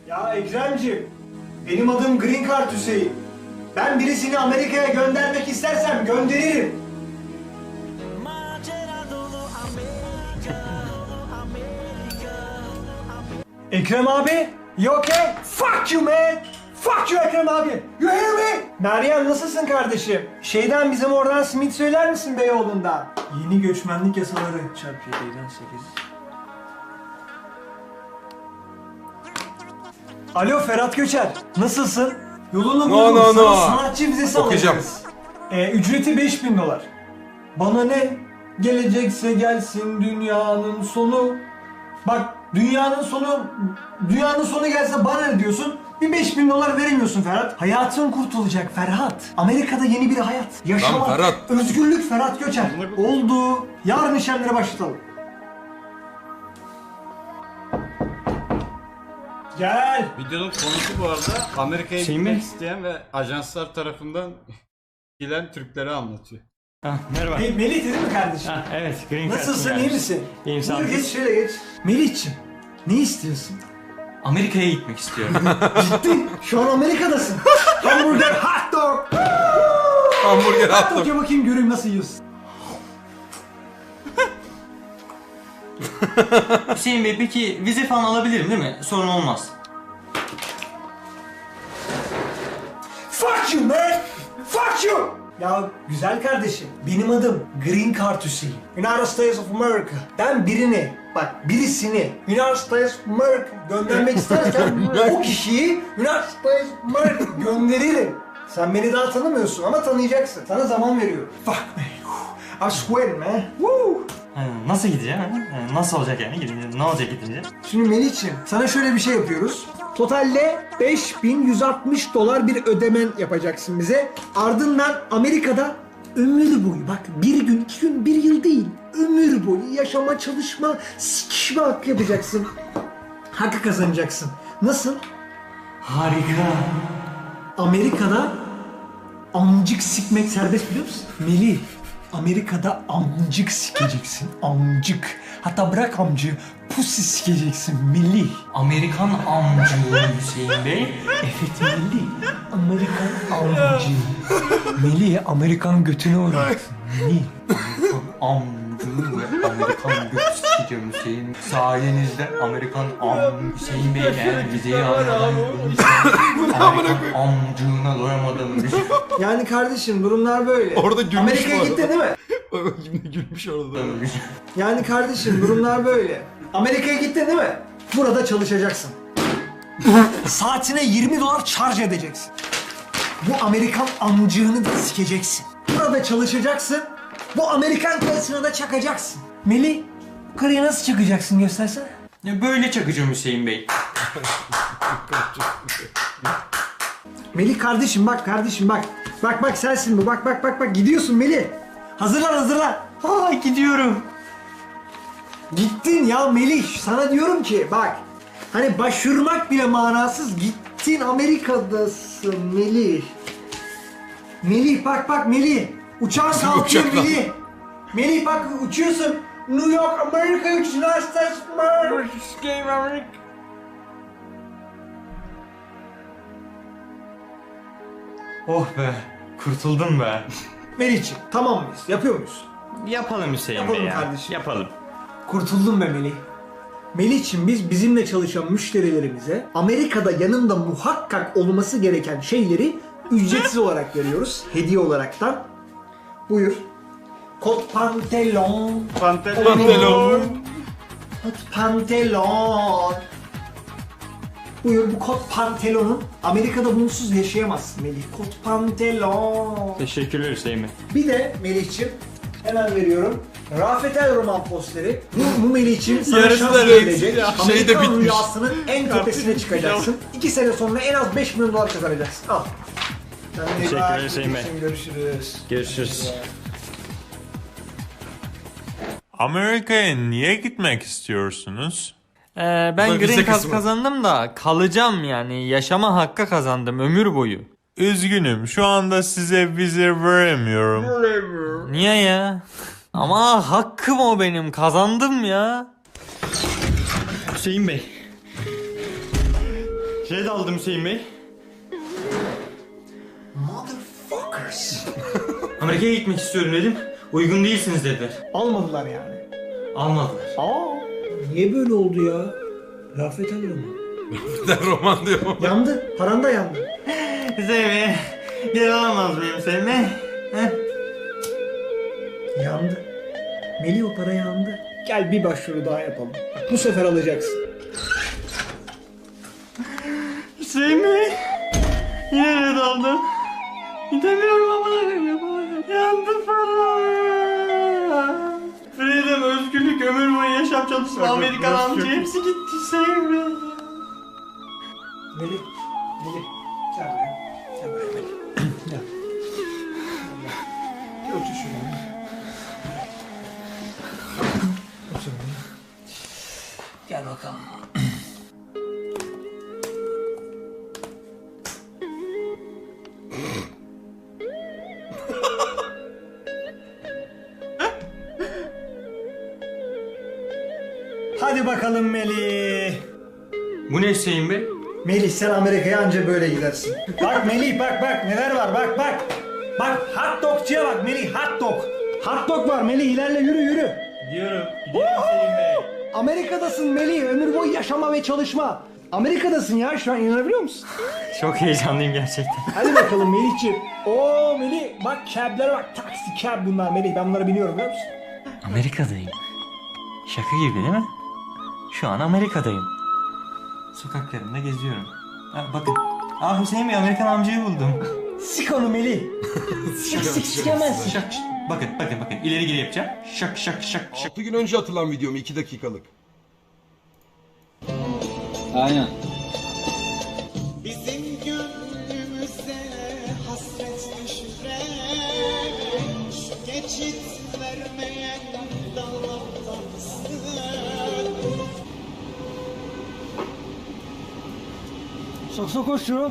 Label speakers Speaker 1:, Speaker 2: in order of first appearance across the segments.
Speaker 1: Ya Ekremciğim, benim adım Green Card Hüseyin. Ben birisini Amerika'ya göndermek istersem gönderirim. Ekrem abi, you okay? Fuck you man! Fuck you Ekrem abi! You hear me? Meryem nasılsın kardeşim? Bizim oradan simit söyler misin Beyoğlu'ndan? Yeni göçmenlik yasaları çarpı 7'den 8. Alo Ferhat Göçer, nasılsın? Yolunu buldum, sana sanatçı vizesi alacağız. Ücreti $5000. Bana ne? Gelecekse gelsin dünyanın sonu. Bak dünyanın sonu gelse bana ne diyorsun? Bir $5000 veremiyorsun Ferhat. Hayatın kurtulacak Ferhat. Amerika'da yeni bir hayat. Yaşamak,
Speaker 2: Ferhat.
Speaker 1: özgürlük Ferhat Göçer. Oldu. Yarın işlemlere başlatalım. Gel.
Speaker 3: Videonun konusu bu arada Amerika'ya gitmek isteyen ve ajanslar tarafından gelen Türkleri anlatıyor.
Speaker 4: Merhaba.
Speaker 1: Melih değil mi kardeşim?
Speaker 4: Evet, Green Card'ım
Speaker 1: Nasılsın, iyi
Speaker 4: gelmiş.
Speaker 1: misin?
Speaker 4: İyiyim, sağ ol.
Speaker 1: Buyur geç şöyle geç. Melih'ciğim, ne istiyorsun?
Speaker 4: Amerika'ya gitmek istiyorum.
Speaker 1: Ciddi, şu an Amerika'dasın. Hamburger, hot dog.
Speaker 2: Hamburger
Speaker 1: Hot
Speaker 2: attım.
Speaker 1: dog ye bakayım göreyim nasıl yiyorsun.
Speaker 4: Hüseyin Bey, peki vize falan alabilirim değil mi? Sorun olmaz.
Speaker 1: Fuck you man! Fuck you! Ya güzel kardeşim, benim adım Green Card Hüseyin. United States of America. Ben birisini United States of America göndermek istersen o kişiyi United States of America gönderirim. Sen beni daha tanımıyorsun ama tanıyacaksın. Sana zaman veriyorum. Fuck man. I'm sweating man. Woo!
Speaker 4: Nasıl gideceğim? Nasıl olacak yani gidince? Ne olacak gidince?
Speaker 1: Şimdi Melih'ciğim sana şöyle bir şey yapıyoruz. Totalde $5160 bir ödemen yapacaksın bize. Ardından Amerika'da ömür boyu bak bir gün, 2 gün, 1 yıl değil. Ömür boyu yaşama, çalışma, sikişme hakkı yapacaksın. Hakkı kazanacaksın. Nasıl?
Speaker 4: Harika.
Speaker 1: Amerika'da amcık sikmek serbest biliyor musun? Melih, Amerika'da amcık sikeceksin. Amcık. Hatta bırak amcığı, pussy sikeceksin Melih.
Speaker 4: Amerikan amcı Hüseyin Bey.
Speaker 1: Evet Melih, Amerikan amcı. Melih, Amerikan götüne uğraksın. Melih.
Speaker 4: Amcı ve Amerikan götü sikeceğim Hüseyin. Sayenizde Amerikan Hüseyin Bey eğer vizeyi almadan Amerikan amcığına doyamadım.
Speaker 1: Yani kardeşim durumlar böyle.
Speaker 2: Orada gülmüş
Speaker 1: Amerika'ya
Speaker 2: bu arada.
Speaker 1: gittin değil mi?
Speaker 2: Yine gülmüş orada.
Speaker 1: Yani kardeşim durumlar böyle. Amerika'ya gittin değil mi? Burada çalışacaksın. Saatine $20 charge edeceksin. Bu Amerikan amcığını da sikeceksin. Burada çalışacaksın. Bu Amerikan karısına da çakacaksın. Melih, karıya nasıl çakacaksın göstersene.
Speaker 4: Ya böyle çakacağım Hüseyin Bey.
Speaker 1: Melih kardeşim bak kardeşim bak. Bak sensin bu bak gidiyorsun Melih. Hazırlan.
Speaker 4: Aa, gidiyorum.
Speaker 1: Gittin ya Melih. Sana diyorum ki bak. Hani başvurmak bile manasız. Gittin Amerika'dasın Melih. Melih bak Melih. Uçağın kalkıyor
Speaker 2: uçak lan?
Speaker 1: Melih. Melih bak uçuyorsun. New York Amerika United States America.
Speaker 4: Oh be, kurtuldum be.
Speaker 1: Melih'ciğim tamam mıyız? Yapıyor muyuz?
Speaker 4: Yapalım Hüseyin
Speaker 1: Yapalım
Speaker 4: Bey ya.
Speaker 1: kardeşim.
Speaker 4: Yapalım.
Speaker 1: Kurtuldum be Melih. Melih'ciğim biz bizimle çalışan müşterilerimize Amerika'da yanında muhakkak olması gereken şeyleri ücretsiz olarak veriyoruz. Hediye olaraktan. Buyur. Kot pantolon.
Speaker 2: Pantolon.
Speaker 1: Kot pantolon. Buyur bu kot pantolonun Amerika'da bunsuz yaşayamazsın Melih. Kot pantolon.
Speaker 4: Teşekkürler Hüseyin Bey.
Speaker 1: Bir de Melih'ciğim hemen veriyorum. Rafet El roman posteri. Bu Melih'ciğim sana
Speaker 2: Yarısı
Speaker 1: şans
Speaker 2: da
Speaker 1: verilecek.
Speaker 2: renksiz ya. Şey de
Speaker 1: Amerikan
Speaker 2: bitmiş.
Speaker 1: rüyasının en tepesine çıkacaksın. 2 sene sonra en az $5 milyon kazanacaksın. Al.
Speaker 4: Teşekkürler Hüseyin Bey.
Speaker 1: Görüşürüz.
Speaker 4: Görüşürüz.
Speaker 5: Amerika'ya niye gitmek istiyorsunuz?
Speaker 4: Ben
Speaker 2: Bu vize
Speaker 4: Green Card
Speaker 2: kısmı.
Speaker 4: kazandım da kalacağım yani. Yaşama hakkı kazandım ömür boyu.
Speaker 5: Üzgünüm, şu anda size vize veremiyorum.
Speaker 4: Niye ya? Ama hakkım o benim. Kazandım ya. Hüseyin Bey. Red aldım Hüseyin Bey.
Speaker 1: Motherfuckers.
Speaker 4: Amerika'ya gitmek istiyorum dedim. Uygun değilsiniz dediler.
Speaker 1: Almadılar yani.
Speaker 4: Almadılar.
Speaker 1: Niye böyle oldu ya? Rafet alıyor mu?
Speaker 2: Der roman diyor.
Speaker 1: Yandı. Paran da yandı.
Speaker 4: Hüseyin Bey. Geri alamaz mıyım Hüseyin Bey?
Speaker 1: Yandı. Melih o para yandı. Gel bir başvuru daha yapalım. Bak, bu sefer alacaksın.
Speaker 4: Hüseyin Bey. Yine red aldım. Gidemiyorum ama yapamadım. Yandı para. Freedom, özgürlük, ömür boyu yaşam çalışma, Amerikan amca hepsi gitti Hüseyin Bey.
Speaker 1: Melih. Melih. Gel buraya. Gel buraya Melih. Gel. Gel. Otur şuraya. Otur buraya. Gel bakalım. Hadi bakalım Melih.
Speaker 4: Bu ne Hüseyin Bey?
Speaker 1: Melih sen Amerika'ya anca böyle gidersin. Bak Melih bak neler var bak. Bak hot dogçuya bak Melih hot dog. Hot dog var Melih ilerle yürü.
Speaker 4: Gidiyorum Hüseyin Bey.
Speaker 1: Amerika'dasın Melih ömür boyu yaşama ve çalışma. Amerika'dasın ya şu an inanabiliyor musun?
Speaker 4: Çok heyecanlıyım gerçekten.
Speaker 1: Hadi bakalım Melih'ciğim. Oo Melih bak cab'lere bak taksi cab bunlar Melih ben bunları biliyorum biliyor musun?
Speaker 4: Amerika'dayım. Şaka gibi değil mi? Şu an Amerika'dayım. Sokaklarında geziyorum. Bakın. Hüseyin Bey Amerikan amcayı buldum.
Speaker 1: Sik onu Melih. Sikemezsin.
Speaker 4: Şak. Bakın. İleri geri yapacağım. Şak.
Speaker 2: 6 gün önce atılan videom 2 dakikalık.
Speaker 6: Aynen.
Speaker 7: Bizim gönlümüze hasret düşüren şu geçit vermeyen dallardansın.
Speaker 1: Sok koş şunu.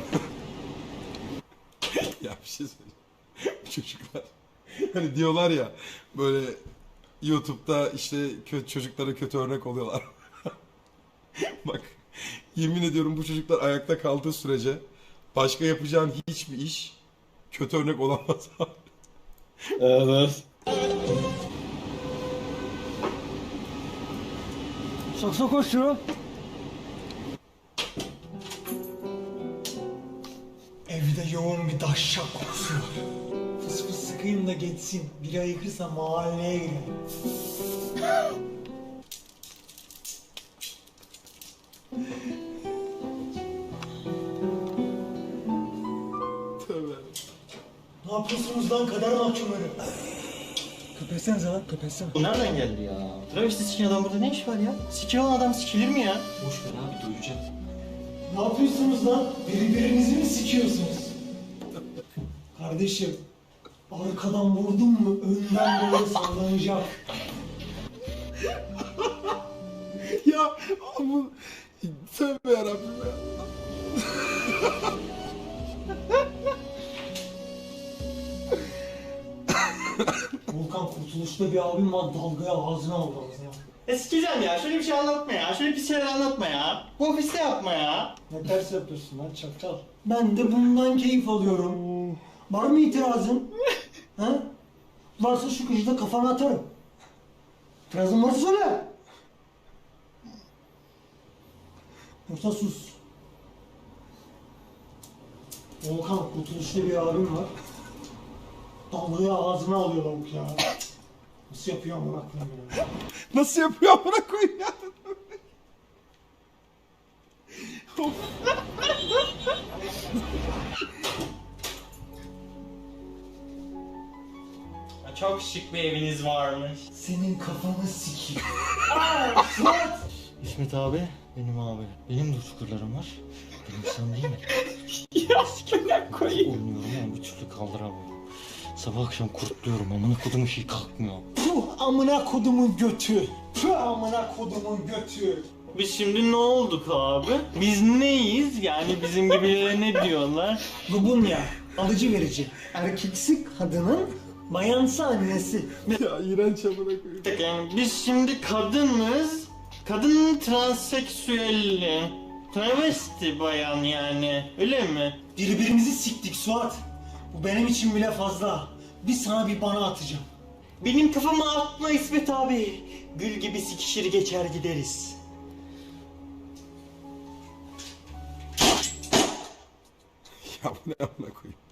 Speaker 2: Ya bir şey söyleyeyim. Bu çocuklar hani diyorlar ya böyle YouTube'da işte çocuklara kötü örnek oluyorlar. Bak yemin ediyorum bu çocuklar ayakta kaldığı sürece başka yapacağın hiçbir iş kötü örnek olamaz abi.
Speaker 6: Evet.
Speaker 1: Sok koş şunu. Evde yoğun bir daşşak kokusu var. Fıs fıs sıkayım da geçsin. Biri ayıkırsa mahalleye girelim.
Speaker 2: Tövbe.
Speaker 1: Ne yapıyorsunuz lan kader mahkumları? Köpetsenize lan köpetsene.
Speaker 4: Bu nereden geldi ya? Travesti sikin adam burada ne iş var ya? Sikin olan adam sikilir mi ya? Boş ver abi duyacağım.
Speaker 1: Ne yapıyorsunuz lan? Birbirinizi mi sikiyorsunuz? Kardeşim, arkadan vurdun mu önden böyle sallanacak.
Speaker 2: Ya bu tövbe yarabbim ya.
Speaker 1: Volkan Kurtuluş'ta bir abim var dalgaya ağzına aldı ağzına.
Speaker 4: Sikeceğim ya şöyle bir şey anlatma ya. Şöyle bir şeyler anlatma ya. Bu ofiste yapma ya.
Speaker 1: Ne ters yapıyorsun lan çakal. Ben de bundan keyif alıyorum. Var mı itirazın? Ha? Varsa şu kıcıda kafana atarım. İtirazın varsa söyle. Yoksa sus. Volkan Kurtuluş'ta bir abim var. Dalgaya ağzına alıyor lavuk ya. Nasıl yapıyor amına koyayım ya?
Speaker 2: Nasıl yapıyor amına koyayım ya?
Speaker 4: Çok şık bir eviniz varmış.
Speaker 1: Senin kafanı sikeyim.
Speaker 4: İsmet abi, benim abi. Benim de çukurlarım var. Benim sen değil mi?
Speaker 6: Ya sikimden koyayım.
Speaker 4: Oynuyorum ama bir türlü kaldıramıyorum. Sabah akşam kurtluyorum amına kodum şey kalkmıyor.
Speaker 1: Puh amına kodumun götü. Puh amına kodumun götü.
Speaker 4: Biz şimdi ne olduk abi? Biz neyiz? Yani bizim gibilere ne diyorlar?
Speaker 1: Lubunya, alıcı verici. Erkeksi kadının bayansı annesi.
Speaker 2: Ya iğrenç amına koyayım.
Speaker 4: Yani biz şimdi kadınız. Kadın transseksüelli. Travesti bayan yani. Öyle mi?
Speaker 1: Birbirimizi siktik Suat. Bu benim için bile fazla. Bir sana bir bana atacağım.
Speaker 4: Benim kafama atma İsmet abi. Gül gibi sikişir geçer gideriz.
Speaker 2: Ya bu ne amına koyayım.